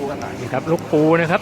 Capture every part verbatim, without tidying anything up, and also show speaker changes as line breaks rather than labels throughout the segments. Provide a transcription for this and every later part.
กันหน่อย
นี่ครับลูกปูนะครับ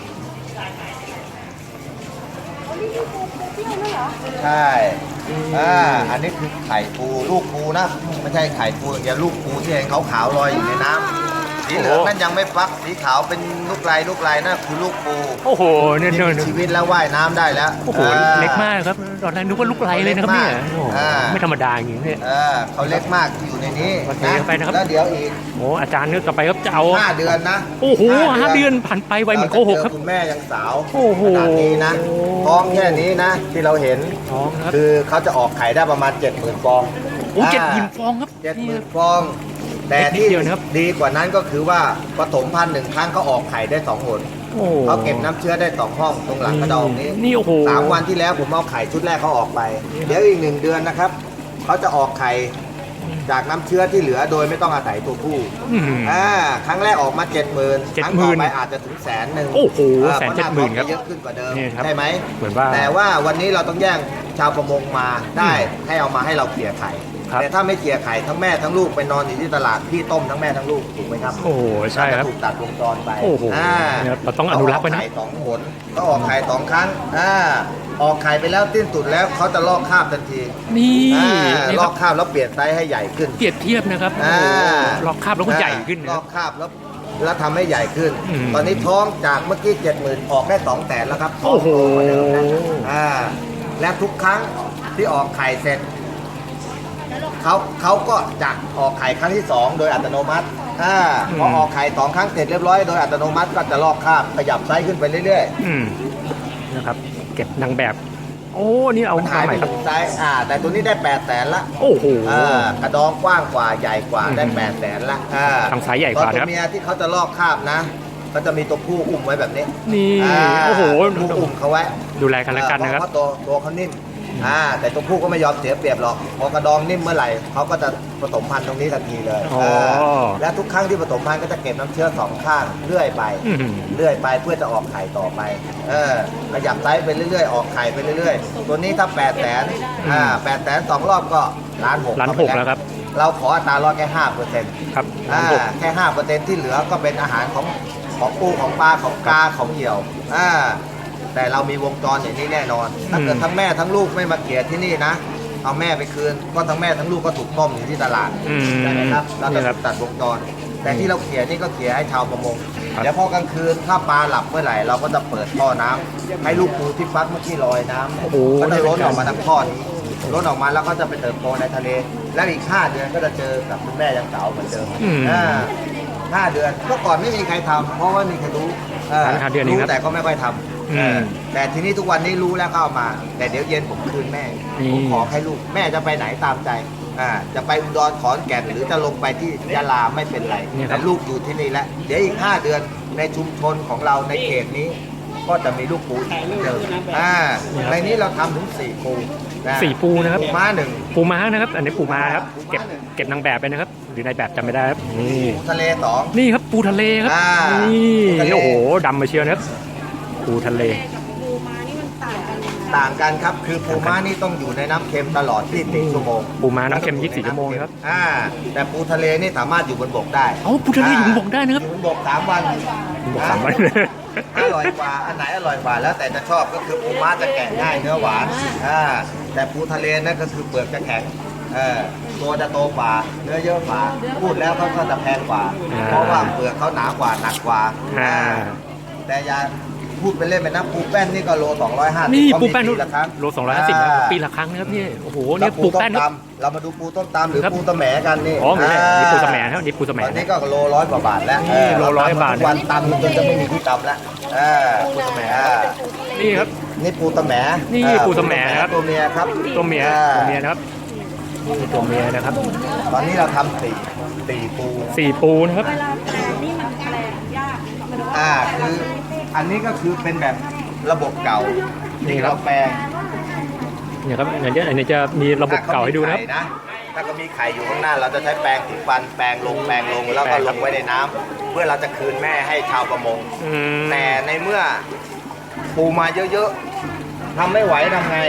ใช่อ่าอันนี้คือไข่ปูลูกปูนะไม่ใช่ไข่ปูอย่างเดียวลูกปูที่เห็นขาวๆลอยอยู่ในน้ำสีเหลืองนั่นยังไม่ฟักสีขาวเป็นลูกลายลูกลายนั่นคือลูกปู
โอ้โหเนี่ย
ที่มีชีวิตแล้วว่ายน้ำได้แล้ว
โอ้โหเล็กมากครับตอนแรกนึกว่าลูกไรเลยนะครับเนี่ยไม่ธรรมดาอย่างนี้เนี่ย
เขาเล็กมากที่อยู่ในนี้
นะไปนะครับ
แล้วเดี๋ยวอีก
โอ้อาจารย์นึกกลับไปครับจะเอา
ห้าเดือนนะ
โอ้โหห้าเดือนผ่านไปไวเหมือนโกหกครับ
คุณแม่ยังสาว
โอ้โห
ขนาดนี้นะท้องแค่นี้นะที่เราเห็น
ท้องครับ
คือเขาจะออกไข่ได้ประมาณเจ็ดหมื่นฟอง
โอ้เจ็ดหมื่นฟองครับ
เจ็ดหมื่นฟองแต่ที่ดีกว่านั้นก็คือว่าผสมพันธุ์หนึ่งครั้งเขาออกไข่ได้สองหนเขาเก็บน้ำเชื้อได้สองห้องตรงหลังกระดองนี้
นี่โอ้โห
สามวันที่แล้วผมเอาไข่ชุดแรกเขาออกไปเดี๋ยวอีกหนึ่งเดือนนะครับเขาจะออกไข่จากน้ำเชื้อที่เหลือโดยไม่ต้องอาศัยตัวผู้อ่าครั้งแรกออกมาเจ็ดหมื่นครั้งต่อไปอาจจะถึงแสนหนึ่ง
โอ้โหแสนเจ็ดหมื่นครับ
เยอะขึ้นกว่าเดิม
ใช่
ไหม
เหมือนว่า
แต่ว่าวันนี้เราต้องแย่งชาวประมงมาได้ให้เอามาให้เราเกลี่ยไข่แต่ถ้าไม่เกลี่ยไข่ทั้งแม่ทั้งลูกไปนอนอยู่ที่ตลาดพี่ต้มทั้งแม่ทั้งลูกถูกไหมครับ
โอ้โหใช่ครับ
ถูกตัดวงจรไป
โอ้โหเราต้องอนุรักษ์ไว้นะ
ไข่สองผลก็ออกไข่สองครั้งอ่าออกไข่ไปแล้วสิ้นสุดแล้วเขาจะลอกคราบทันที
นี่
ลอกคราบแล้วเปลี่ยนไซส์ให้ใหญ่ขึ้น
เปรียบเทียบนะครับลอกคราบแล้วก็ใหญ่ขึ้น
ลอกคราบแล้วแล้วทำให้ใหญ่ขึ้นตอนนี้ท้องจากเมื่อกี้เจ็ดหมื่นออกได้สองแสนแล้วครับ
โอ้โห
อ่าและทุกครั้งที่ออกไข่เสร็จเขาเขาก็จะออกไข่ครั้งที่สองโดยอัตโนมัติอ่าพอออกไข่สองครั้งเสร็จเรียบร้อยโดยอัตโนมัติก็จะลอกคราบขยับไซส์ขึ้นไปเรื่อย
ๆนะครับเก็บนางแบบโอ้นี่เอา
หายไปถึงไซส์อ่าแต่ตัวนี้ได้แปดแสนละ
โอ้โห
อ่ากระดองกว้างกว่าใหญ่กว่าได้แปดแสนละอ่า
ทางสายใหญ่กว่า
ตัวเมียที่เขาจะลอกคราบนะก็จะมีตัวผู้อุ้มไว้แบบนี้
นี่โอ้โห
ผู้อุ้มเขาไว้
ดูแลกันแล้วกันนะครับ
เพราะตัวตัวเขานิ่มอ่าแต่ตัวผู้ก็ไม่ยอมเสียเปรียบหรอกพอกระดองนิ่มเมื่อไหร่เขาก็จะผสมพันธุ์ตรงนี้ทันทีเลยและทุกครั้งที่ผสมพันธุ์ก็จะเก็บน้ำเชื้อสองข้างเรื่อยไปเรื่อยไปเพื่อจะออกไข่ต่อไปเออขยับไซส์ไปเรื่อยๆออกไข่ไปเรื่อยๆตัวนี้ถ้าแปดแสนอ่าแปดแสนสองรอบก็ล้านหก
ล้านหกแล้วครับ
เราขออัตราลดแค่ห้าเปอร์เซ็นต์
ครับ
อ่าแค่ห้าเปอร์เซ็นต์ที่เหลือก็เป็นอาหารของของปูของปลาของกาของเหยี่ยวอ่าแต่เรามีวงจรอย่างนี้แน่นอนถ้าเกิดทั้งแม่ทั้งลูกไม่มาเกลี่ยที่นี่นะเอาแม่ไปคืนก็ทั้งแม่ทั้งลูกก็ถูกต้มอยู่ที่ตลาดใช่ไหมครับเราจะตัดวงจรแต่ที่เราเกลี่ยนี่ก็เกลี่ยให้ชาวประมงเดี๋ยวพอกลางคืนถ้าปลาหลับเมื่อไหร่เราก็จะเปิดท่อน้ำให้ลูกปูที่ฟักเมื่อกี้ลอยน้ำก็จะล้นออกมาทางท่อนี้ล้นออกมาแล้วก็จะไปเติบโตในทะเลแล้วอีกห้าเดือนก็จะเจอกับคุณแม่ยังสาวเหมือนเดิมห้าเดือนเมื่อก่อนไม่มีใครทำเพราะว่ามีใครรู้รู้แต่ก็ไม่ค่อยทำแต่ทีนี้ทุกวันนี้รู้แล้วก็เอามาแต่เดี๋ยวเย็นผมคืนแม่ผมขอให้ลูกแม่จะไปไหนตามใจอ่าจะไปอุดรขอนแก่นหรือจะลงไปที่ยะลาไม่เป็นไรแต่ลูกอยู่ที่นี่แล้วเดี๋ยวอีกห้าเดือนในชุมชนของเราในเขตนี้ก็จะมีลูกปูอีกเดิมอ่าในนี้เราทำถึงสี่ปู
สี่ปูนะครับ
ปูม้าหนึ่ง
ปูม้านะครับอันนี้ปูม้าครับเก็บเก็บนางแบบไปนะครับหรือในแบบจำไม่ได้ครับนี่
ทะเลสอง
นี่ครับปูทะเลครับนี่โอ้โหดำมาเชียวนะครับปูทะเล
ปูม้านี่มันต่างกัน
ต่างกันครับคือปูม้านี่ต้องอยู่ในน้ำเค็มตลอดยี่สิบสี่ชั่วโมง
ปูม้าน้ำเค็มยี่สิบสี่ชั่วโมงครับ
อ่าแต่ปูทะเลนี่สามารถอยู่บนบกได้
อ๋อปูทะเลอยู่บนบกได้นะครับ
อยู่บนบกสามวัน
บกสามวัน
อร่อยกว่าอันไหนอร่อยกว่าแล้วแต่จะชอบก็คือปูม้าจะแกะง่ายเนื้อหวานอ่าแต่ปูทะเลนั่นก็คือเปลือกจะแข็งเออตัวจะโตกว่าเนื้อเยอะกว่าพูดแล้วเขาก็จะแพงกว่าเพราะว่าเปลือกเขาหนากว่าหนักกว่าแต่ยาพูดไปเล่นไปนะปูแป้นนี่ก็โลสองร้อยห้าสิบ
นี่ปูแป้นโลสองร้อยห้าสิบปีละครั้งนะครับนี่โอ้โหนี่ปูแป้น
เรามาดูปูต้มตำหรือปูตะแหมกันนี่
อ๋อนี่ปูตะแหมครับนี่ปูตะแหม
ตอนนี้ก็โลร้อยกว่าบาทแล้ว
โลร้อยบาท
วันตำจนจะไม่มีที่ตำแล้ว
ปูตะแหมนี่ครับ
นี่ปูตะแหม
นี่ปูตะแหมครับ
ตัวเมียครับ
ตัวเมียตัวเมียนะครับนี่ตัวเมียนะครับ
ตอนนี้เราทำสี่สี่ปู
สี่ปูนะครับ
เวลาแปลงนี่มันแปลงยาก
อ่าคืออันนี้ก็คือเป็นแบบระบบเก่านี่เราแปลง
เนี่ยครับอันนี้อันนี้จะมีระบบเก่าให้ดูนะ
ถ้าก็มีไข่อยู่ข้างหน้าเราจะใช้แปรงถูฟันแปรงลงแปรงลงแล้วก็ลงไว้ในน้ำเพื่อเราจะคืนแม่ให้ชาวประมงแต่ในเมื่อปูมาเยอะๆทำไม่ไหวทำไง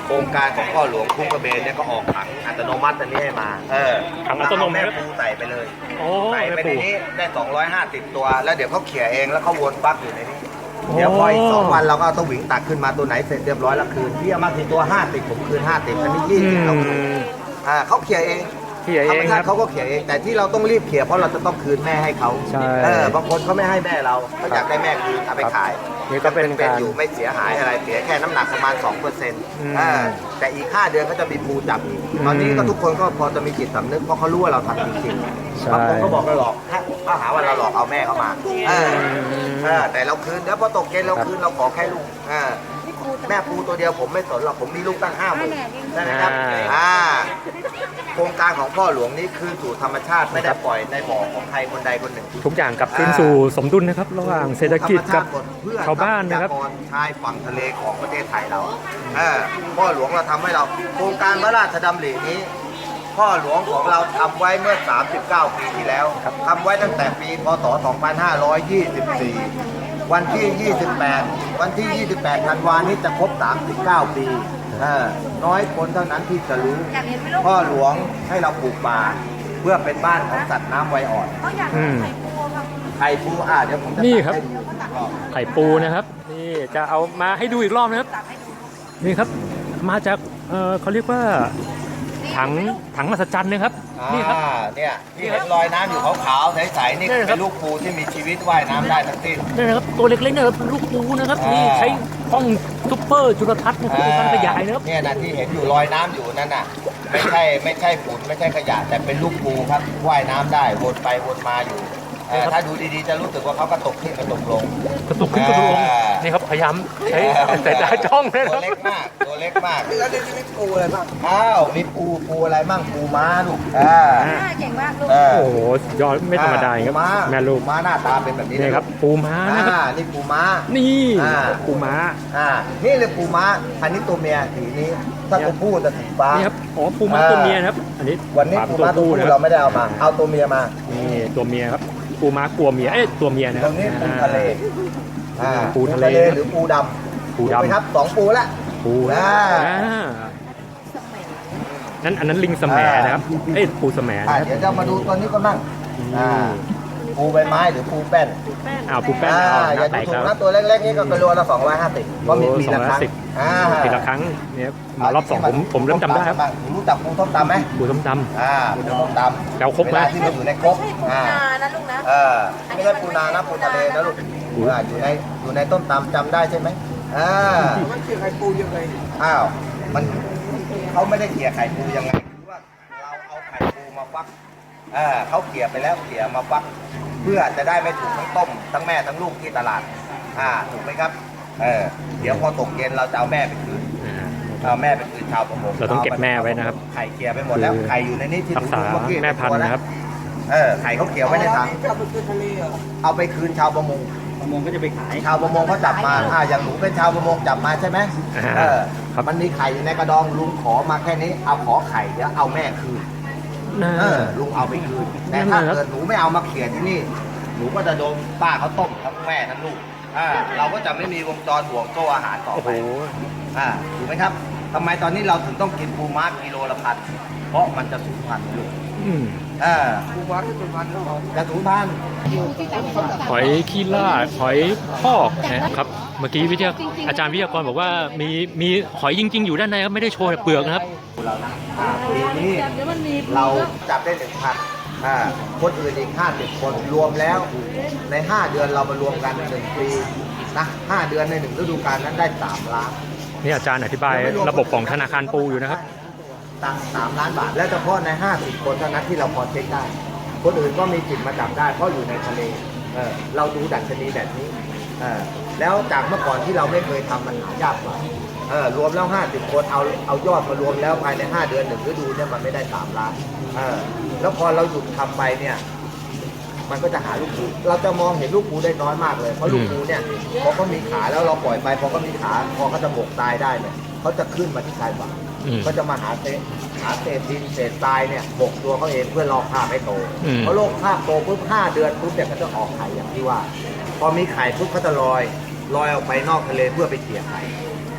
โครงการของพ่อหลวงคุ้งกระเบนเนี่ยก็ออกถังอัตโนมัติอันนี้ให้มาเออ
ถังอัตโนมัติ
แล้วเอาแม่ปูใส่ไปเลย
โอ้
ใส่ไป
แม่
ใน
ปู
นี้ได้สองร้อยห้าสิบตัว แล้วเดี๋ยวเขาเขี่ยเองแล้วเขาวนปลั๊กอยู่ในนี้
โอ้
เดี๋ยวพออีกสองวันเราก็เอาตัวหวิงตักขึ้นมาตัวไหนเสร็จเรียบร้อยแล้วคืนพี่เอามากี่ตัวห้าสิบผมคืนห้าสิบอันนี้ยี่
อื
สิบเรา
ม
คืนอ่าเขาเขี่ยเอง
เขี่ยเอง
ธรรมชา
ครั
ติ
บ
เขาก็เขี่ยเองแต่ที่เราต้องรีบเขี่ยเพราะเราจะต้องคืนแม่ให้เขา
ใช่
เออบางคนเขาไม่ให้แม่เราเขาอยากได้แม่คืนเอาไปขาย
นี่ก็เป็น
เป็น
การ
อยู่ไม่เสียหายอะไรเสียแค่น้ำหนักประมาณสองเปอร์เซ็นต์
อืม
แต่อีกห้าเดือนเขาจะมีปูจับอีก
อืม
ตอนนี้ก็ทุกคนก็พอจะมีจิตสำนึกเพราะเขารู้ว่าเราทำจริง
ใช่
ๆบางคนก็บอกเราหลอกเขาหาว่าเราหลอกเอาแม่เขามาเออเออแต่เราคืนแล้วพอตกเย็นเราคืนเราขอแค่ลูกเออแม่ปูตัวเดียวผมไม่สนหรอกผมมีลูกตั้งห้าหมื่นใช่ไหมครับอ่าโครงการของพ่อหลวงนี้คืนสู่ธรรมชาติไม่ได้ปล่อยในบ่อของใครคนใดคนหนึ่ง
ทุกอย่างกลับคืนสู่สมดุลนะครับ ระหว่างเศรษฐกิจกับชาวบ้านนะครับ
ทรัพยากรชายฝั่งทะเลของประเทศไทยเราเออพ่อหลวงเราทำให้เราโครงการพระราชดำรินี้ พ่อหลวงของเราทำไว้เมื่อ สามสิบเก้า ปีที่แล้วทำไว้ตั้งแต่ปีพศ สองพันห้าร้อยยี่สิบสี่ วันที่ ยี่สิบแปด วันที่ ยี่สิบแปด ธันวานี้จะครบ สามสิบเก้า ปีเออน้อยคนเท่านั้นที่จะรู้ พ่อหลวงให้เราปลูกป่าเพื่อเป็นบ้านของสัตว์น้ำไวอ่อน
อืม
ไข่ปูอ่ะเดี๋ยวผมจะ
นี่ครับ
ตัดให้ดู
ไข่ปูนะครับ นี่จะเอามาให้ดูอีกรอบนะครับ นี่ครับ มาจากเออเขาเรียกว่าถังถังมหัศจรรย์นะครับ นี่ครับ
อ่าเนี่ยที่เห็นรอยน้ำอยู่ขาวๆใสๆนี่
นี่ครับ
เป็นลูกปูที่มีชีวิตว่ายน้ำได้ทั้งสิ้น
นี่นะครับตัวเล็กๆนะครับลูกปูนะครับ
อ่านี่
นี่ใช้กล้องซุปเปอร์จุลทรรศน์นะครับในการขยายนะครับ
เนี่ยนะที่เห็นอยู่ลอยน้ำอยู่นั่นน่ะไม่ใช่ไม่ใช่ฝุ่นไม่ใช่ขยะแต่เป็นลูกปูครับว่ายน้ำได้วนไปวนมาอยู่เอ่อถ้าดูดีๆจะรู้สึกว่าเขากระตกขึ้นกระตกลง
กระตุกขึ้นกระตุกลง
อ่า
นี่ครับพยายามใช้สายตาจ้องเลยนะ
ตัว
ครับ
เล็กมากตัวเล็กมากแล้วนี่มีปูอะไรบ้างอ้าวมีปูปูอะไรบ้างปูม้าลูกอ่า
เก่งมากลูก
เออ
โอ้โหสุดยอดไม่ธรรมดาครับ
ปูม้า
แม่ลูก
ปูม้าหน้าตาเป็นแบบนี้
นี่ครับปูม้านะครับ
อ่านี่ปูม้า
นี่
อ่า
ปูม้า
อ่า นี่เลยปูม้า อันนี้ตัวเมียสีนี้ ถ้าตัวผู้จะสีฟ้า
นี่ครับอ๋อปูม้าตัวเมียนะครับ อันนี้
วันนี้
ฝา
ปู
ตัว
ม้าตัว
ผู้
ผู้
นะค
เรา
รับ
ไม่ได้เอามา เอาตัวเมียมา
นี่ตัวเมียครับปูม้ากลัวเมียเอ้ยตัวเมียนะค
ต
รั
ร
บ
งนี้ปูทะเล อ่า
ปูทะเล
หรือปูดำ
ปูดำ
ถูกไหมครับสองปูละ
ปู
อ่า
อ่านั่นอันนั้นลิงสมแหนะครับเอ้ยปูสมแห
อ่า
นะครับ
เดี๋ยวจะมาดูตัวนี้ก็นั่ง อ่า ปูใบไม้หรือปูแป้น
อ้าวปูแป้น
อ่า
เอา
อ
หน้า
ย่า
แต
ดู
ก
ถู
แล้
ก
ว
นะตัวเล็กๆนี่ก็กิโลละสองร้อยห้าสิบเพราะมีปีละครั้ง
สองร้อยห้าสิบ
อ่า
ปีละครั้งเนี่ยมารอบสองผมผมเริ่มจำได้ครับ
รู้จักปูต้มตำไหม
ปูส้มต
อ่าปูต้มตำ
แล้วครบไหม
เวลาที่มันอยู่ในครกอ่า
นะลูกนะ
เออไม่ใช่ปูนานะปูทะเลนะลูก
ปู
อ่าอยู่ในอยู่ในต้นตำจำได้ใช่ไหมอ่ามันเขี่ยไข่ปูยังไงอ้าวมันเขาไม่ได้เขี่ยไข่ปูยังไงคือว่าเราเอาไข่ปูมาฟักอ่าเขาเขี่ยไปแล้วเขี่ยมาฟัก เพื่อจะได้ไม่ถูกทั้งต้มทั้งแม่ทั้งลูกที่ตลาดอ่าถูกไหมครับเออเดี๋ยวพอตกเย็นเราจะเอาแม่ไปคืน
ำอ่า
เอาแม่ไปคืนชาวประมง
เราต้องเก็บแม่ไว้นะครับ
ไข่เขี่ยไปหมดแล้ว
คือ
ไข่อยู่ในนี้ที่ห
รั
นู
กษา
ดูเมื่อกี้
แม่พันธุ์นะครับ
เออไข่เขาเกี่ยวไว้ในถังเอาไปคืนชาวประมง
ประมงก็จะไปขาย
ชาวประมงเขาจับมาอ่าอย่างหนูเป็นชาวประมงจับมาใช่ไหม
อ่า
เออ
ครับ
มันมีไข่อยู่ในกระดองลุงขอมาแค่นี้ เอาขอไข่เดี๋ยวเอาแม่คืน
น่า
เออลุงเอาไปคืน แต่
นั่
ถ้าน
แหละครับ
เกิดหนูไม่เอามาเขี่ยที่นี่ หนูก็จะโดนป้าเขาต้มทั้งแม่ทั้งลูก อ่า เราก็จะไม่มีวงจรห่วงโซ่อาหารต่อ
โอ้
ไป
โห
อ่า ถูกไหมครับทำไมตอนนี้เราถึงต้องกินปูม้ากิโลละพัน เพราะมันจะสูญพันธุ์ลูก
อืม
อ่าปูม้าที่สูญพันธุ์จะสูญพันธุ์
หอยขี้ล่าหอยพอกนะครับ เมื่อกี้วิทยาอาจารย์วิทยากรบอกว่ามีมีหอยจริง ๆ อยู่ด้านในครับไม่ได้โชว์แต่เปลือกนะครับ
เรานะอ่าปีนี้
เดี๋ยวมันมี
เราจับได้หนึ่งพันอ่าคนอื่นอีกห้าสิบคนรวมแล้ว ในห้าเดือนเรามารวมกันหนึ่งปีนะห้าเดือนในหนึ่งฤดูกาลนั้นได้สามล้าน
นี่อาจารย์อธิบายระบบของธนาคารปูอยู่นะครับ
ตังสามล้านบาท และเฉพาะในห้าสิบคนเท่านั้นที่เราพอเช็คได้ คนอื่นก็มีจิตมาจับได้เพราะอยู่ในทะเลเออเราดูดัชนีแบบนี้เออแล้วจากเมื่อก่อนที่เราไม่เคยทำมันหายากกว่าเออรวมแล้วห้าสิบคนเอาเอายอดมารวมแล้วภายในห้าเดือนหนึ่งฤดูเนี่ยมันไม่ได้สามล้านเออแล้วพอเราหยุดทำไปเนี่ย มันก็จะหาลูกปูเราจะมองเห็นลูกปูได้น้อยมากเลย เพราะลูกปูเนี่ยพอเขามีขาแล้วเราปล่อยไปพอเขามีขาพอเขาจะหมกตายได้เนี่ยเขาจะขึ้นมาที่ชายฝั่ง
อืม
ก็จะมาหาเศษหาเศษดินเศษทรายเนี่ยหมกตัวเขาเองเพื่อรอคาบให้โต
อืม
พอโลกคาบโตปุ๊บห้าเดือนปุ๊บเนี่ยก็จะออกไข่อย่างที่ว่า พอมีไข่ปุ๊บเขาจะลอยลอยออกไปนอกทะเลเพื่อไปเกี่ยไข่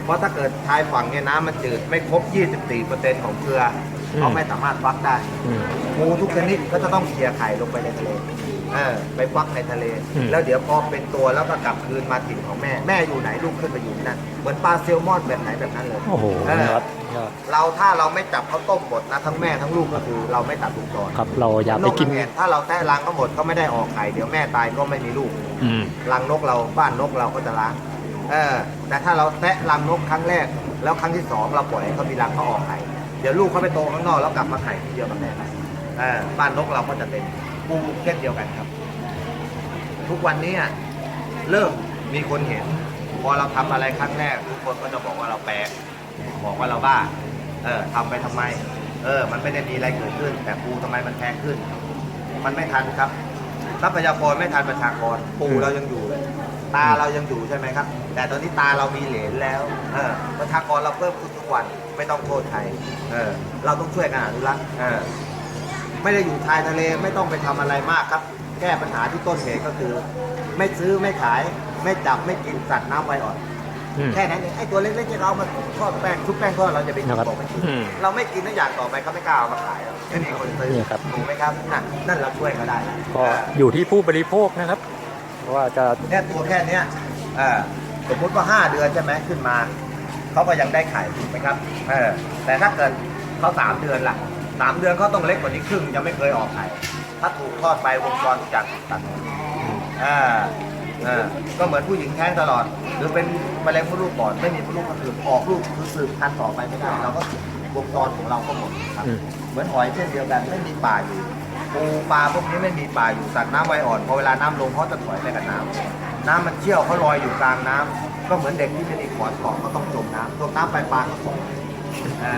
เพราะถ้าเกิดชายฝั่งเนี่ยน้ำมันจืดไม่ครบ ยี่สิบสี่เปอร์เซ็นต์ ของเกลือเขาไม่สามารถฟักได้
อืม
ปูทุกชนิดก็จะต้องเคลียร์ไข่ลงไปในทะเลเออไปฟักในทะเล
อืม
แล้วเดี๋ยวพอเป็นตัวแล้วก็กลับคืนมาถิ่นของแม่แม่อยู่ไหนลูกขึ้นไปอยู่ที่นั่นเหมือนปลาแซลมอนแบบไหนแบบนั้นเลย
โอ้โห
เออ
นะครับยอด
เราถ้าเราไม่จับเขาต้มหมดนะทั้งแม่ทั้งลูกก็คือเราไม่ตัดวงจร
ครับเราอย่าไปกิน
กระแถ้าเราแตะรังก็หมดก็ไม่ได้ออกไข่เดี๋ยวแม่ตายก็ไม่มีลูก
อืม
รังนกเราบ้านนกเราก็จะล้างเออแต่ถ้าเราแตะรังนกครั้งแรก แล้วครั้งที่สองเราปล่อยให้เขามีรังเขาออกไข่เดี๋ยวลูกเขาไปโตข้างนอกแล้วกลับมาไข่ทีเดียวกับแม่เออบ้านนกเราก็จะเป็นปูเช่นเดียวกันครับ ทุกวันนี้อะเริ่มมีคนเห็น พอเราทำอะไรครั้งแรก ทุกคนก็จะบอกว่าเราแปลกบอกว่าเราบ้า เออทำไปทำไม เออ มันไม่ได้มีอะไรเกิดขึ้น แต่ปูทำไมมันแพงขึ้น มันไม่ทันครับทรัพยากรไม่ทันประชากร ปูเรายังอยู่เลย ตาเรายังอยู่ใช่ไหมครับ แต่ตอนนี้ตาเรามีเหลนแล้ว เออ ประชากรเราเพิ่มขึ้นทุกวัน ไม่ต้องโทษใคร เออ เราต้องช่วยกันอนุรักษ์เออ ไม่ได้อยู่ชายทะเลไม่ต้องไปทำอะไรมากครับ แก้ปัญหาที่ต้นเหตุก็คือ ไม่ซื้อไม่ขาย ไม่จับไม่กินสัตว์น้ำไวอ่อน
อืม
แค่นั้นเองไอ้ตัวเล็กๆที่เรามาทอดแป้งชุบแป้งทอดเราจะไปกิน
นะครับ
บอกไม่กิน
อืม
เราไม่กินนั่นอย่างต่อไปเขาไม่กล้าเอามาขายหรอกไม่มีคนซื้อ
เนี่ยครับ
ถูกไหมครับนั่นนั่นเราช่วยเขาได้แล้ว
ก็อยู่ที่ผู้บริโภคนะครับว่าจะ
เนี่ยตัวแค่เนี้ยเออสมมติว่าห้าเดือนใช่ไหมขึ้นมาเขาก็ยังได้ไข่ถูกไหมครับเออแต่ถ้าเกิดเขาสามเดือนล่ะสามเดือนเขาต้องเล็กกว่านี้ครึ่งยังไม่เคยออกไข่ถ้าถูกทอดไปวงจรทุกอย่างถูกตัดหมดอ่าอ่าก็เหมือนผู้หญิงแท้งตลอด หรือเป็นมะเร็งมดลูกก่อนไม่มีมดลูกก็คือออกลูกคือสืบพันธุ์ต่อไปไม่ได้เราก็วงจรของเราก็หมดครับ
อืม
เหมือนหอยเช่นเดียวกันไม่มีป่าอยู่ปูปลาพวกนี้ไม่มีป่าอยู่สัตว์น้ำไวอ่อนพอเวลาน้ำลงเขาจะถอยไปกับน้ำน้ำมันเชี่ยวเขาลอยอยู่กลางน้ำก็เหมือนเด็กที่ไม่มีขอนเกาะก็ต้องจมน้ำจมน้ำไปปลาก็ตกอ่า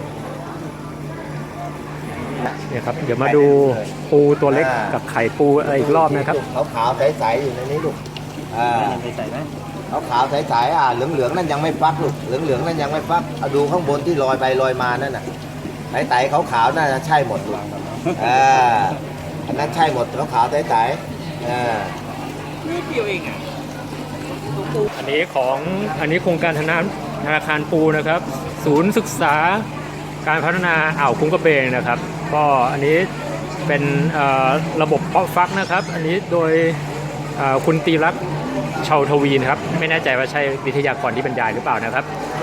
เนี่ยครับเดี๋ยวมาดูปูตัวเล็กกับไข่ปูอะไรอีกรอบนะครับ
ขาวขาวๆใสๆอยู่ในนี้ลูกอ่าใสๆไหมขาวขาวๆใสๆอ่ะเหลืองเหลืองๆนั่นยังไม่ฟักลูกเหลืองเหลืองๆนั่นยังไม่ฟักเอาดูข้างบนที่ลอยไปลอยมานั่นน่ะใสๆขาวขาวๆน่าจะใช่หมดลูกอ่าอันนั้นใช่หมดขาวขาวๆใสๆอ่า
อันนี้ของอันนี้โครงการธนาธนาคารปูนะครับ ศูนย์ศึกษาการพัฒนาอ่าวคุ้งกระเบนนะครับ ก็อันนี้เป็นเอ่อระบบเพาะฟักนะครับ อันนี้โดยเอ่อคุณตีรักษ์ชาวทวีนะครับ ไม่แน่ใจว่าใช่วิทยากรที่บรรยายหรือเปล่านะครับ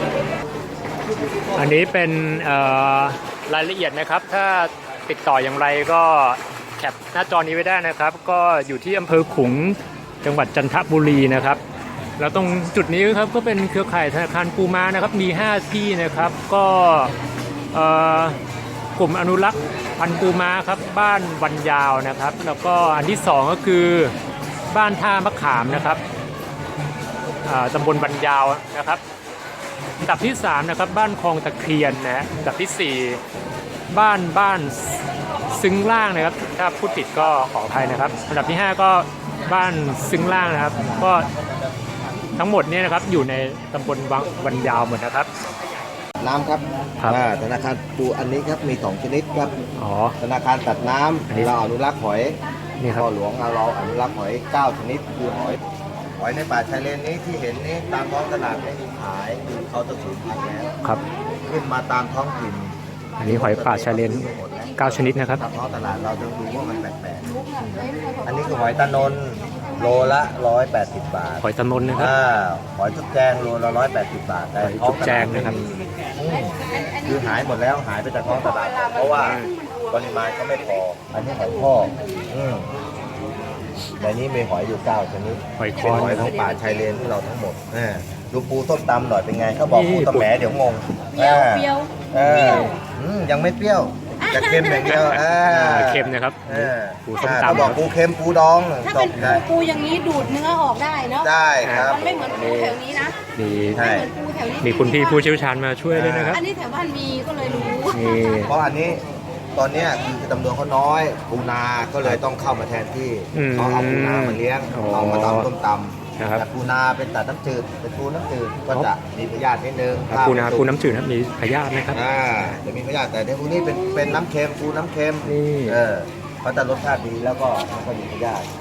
อันนี้เป็นเอ่อรายละเอียดนะครับ ถ้าติดต่ออย่างไรก็แคปหน้าจอนี้ไว้ได้นะครับ ก็อยู่ที่อำเภอขลุงจังหวัดจันทบุรีนะครับ แล้วตรงจุดนี้ครับก็เป็นเครือข่ายธนาคารปูม้านะครับมีห้าที่นะครับก็เอ่อกลุ่มอนุรักษ์พันธุ์ปูม้าครับบ้านวันยาวนะครับ แล้วก็อันที่สองก็คือบ้านท่ามะขามนะครับอ่าตำบลวันยาวนะครับอันดับที่สามนะครับบ้านคลองตะเคียนนะฮะอันดับที่สี่บ้านบ้านซึ้งล่างนะครับถ้าพูดผิดก็ขออภัยนะครับอันดับที่ห้าก็บ้านซึ้งล่างนะครับก็ทั้งหมดเนี่ยนะครับอยู่ในตำบลวังวันยาวหมดนะครับ
น้ำครับ
ครับ
อ่าธนาคารปูอันนี้ครับมีสองชนิดครับ
อ๋อ
ธนาคารตัดน้
อันนี้
ำเราอนุรักษ์หอย
นี่ครับ
พ่อหลวงเราอนุรักษ์หอยเก้าชนิดคือหอยหอยในป่าชายเลนนี้ที่เห็นนี้ตามท้องตลาดไม่มีขายคือเขาจะสูญพันธุ์แล้ว
ครับ
ขึ้นมาตามท้องถิ่น
อันนี้หอยป่าชายเลนเก้าชนิดนะครับ
ตามท้องตลาดเราจะดูว่ามันแปลกๆอันนี้คือหอยตะนนโลละร้อยแปดสิบบาท
หอยตะนนนะครับ
อ่าหอยจุ๊บแจงโลละร้อยแปดสิบบาทแต่
หอยจุ๊บแจงนะครับ
อืมคือหายหมดแล้วหายไปจากท้องตลาดเพราะว่าปริมาณก็ไม่พอ อันนี้หอยพ่อกอืมในนี้มีหอยอยู่เก้าชนิด
หอยค
เป็น
อน
หอยทั้งป่าชายเลนที่เราทั้งหมดอ่าดูปูส้มตำหน่อยเป็นไงเขาบอก
นี่
ปูตะแหมเดี๋ยวงง
เปรี้ยวเปรี้ยว
เอออืมยังไม่เปรี้ยวจะเค็มอย่างเดียวอ่า
อ่าเค็มนะครับ
เออ
ปูส้ม
อ่า
ตำ
เขาบอกปูเค็มปูดอง
ถ้า
จ
เป็
บ
นปู
ได้
ปูอย่างนี้ดูดเนื้อออกได้เนาะ
ได้ครับ
มันไม่เหมือนปูแถวนี้นะ
มี
ใช่
ไม่เหมือนปูแถวนี้
มีคุณพี่ผู้เชี่ยวชาญมาช่วยด้วยนะครับ
อันนี้แถวบ้านมีก็เลยรู้
นี่
เพราะอันนี้ตอนเนี้ยคือจำนวนเขาน้อยปูนาก็เลยต้องเข้ามาแทนที่
อืม
เขาเอาปูนามาเลี้ยง
อ๋อ
เอามาตำต้มต
นะครับ
ำแต่ปูนาเป็นตัดน้ำจืดเป็นปูน้ำจืดก็จะมีพยาธินิดนึง
ปูนาปูน้ำจืดนะครับมีพยาธินะครับ
อ่าจะมีพยาธิแต่ในปูนี้เป็นเป็นน้ำเค็มปูน้ำเค็ม
นี่
เออเขาจะรสชาติดีแล้วก็ไม่ค่อยมีพยาธิ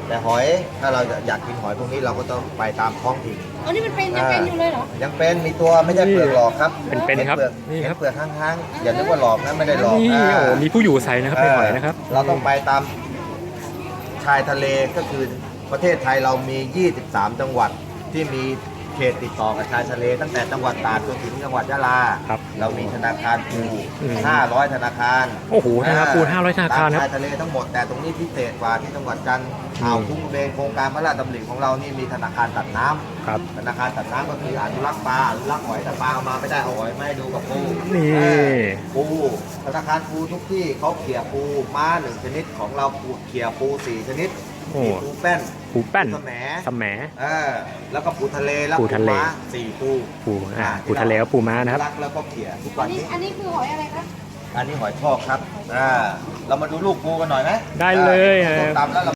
แต่หอยถ้าเราอยากกินหอยพวกนี้เราก็ต้องไปตามท้องถิ่น
อันนี้มันเป็นยังเป็นอยู่เลยเหรอ
ยังเป็นมีตัวไม่ใช่เปลือกหลอกครับ
เป็นๆครับ
ห็ปลือก
นี่
เห็
ครั
น
บ
เปลือกข้างๆอย่านึกว่าหลอกนะไม่ได้หลอก
นี่
อ่า
โอ้มีผู้อยู่อาศัยนะครับในหอยนะครับ
เราต้องไปตามชายทะเลก็คือประเทศไทยเรามี ยี่สิบสาม จังหวัดที่มีเขตติดต่อกับชายทะเลตั้งแต่จังหวัดตราดจนถึงจังหวัดยะลา
ครับ
เรามีธนาคารปู
อืม
ห้าร้อย ธนาคาร
โอ้โหธนาคารปูห้าร้อยธนาคาร
ตม
ครับ
ชายทะเลทั้งหมดแต่ตรงนี้พิเศษกว่าที่จังหวัดจันทร์อ่าวคุ้งเบนโครงการพระราชดำริของเรานี่มีธนาคารตัดน้ำ
ครับ
ธนาคารตัดน้ำก็คืออนุรักษ์ปลาอนุรักษ์หอยแต่ปลาเอามาไม่ได้เอาหอยมาให้ดูกับปู
นี่
เออปูธนาคารปูทุกที่เขาเขี่ยปูม้าหนึ่งชนิดของเราปูเขี่ยปูสี่ชนิด
โอ้
มีปูแป้น
ปูแป้น
ปูแสม
สมแหม
เออแล้วก็ปูทะเลแล้ว
ปูทะเล
ม้าสี่ปู
ปูอ่าปูทะเลกับปูม้านะครับ
รักแล้วก็เขี่ยทุก
อั
วัน น
นี้
นี้
อันนี้คือหอยอะไรคะ
อันนี้หอยทอกครับอ่าเรามาดูลูกปูกันหน่อยไหม
ได้เลย
อ่าส้มตำแล้วเรา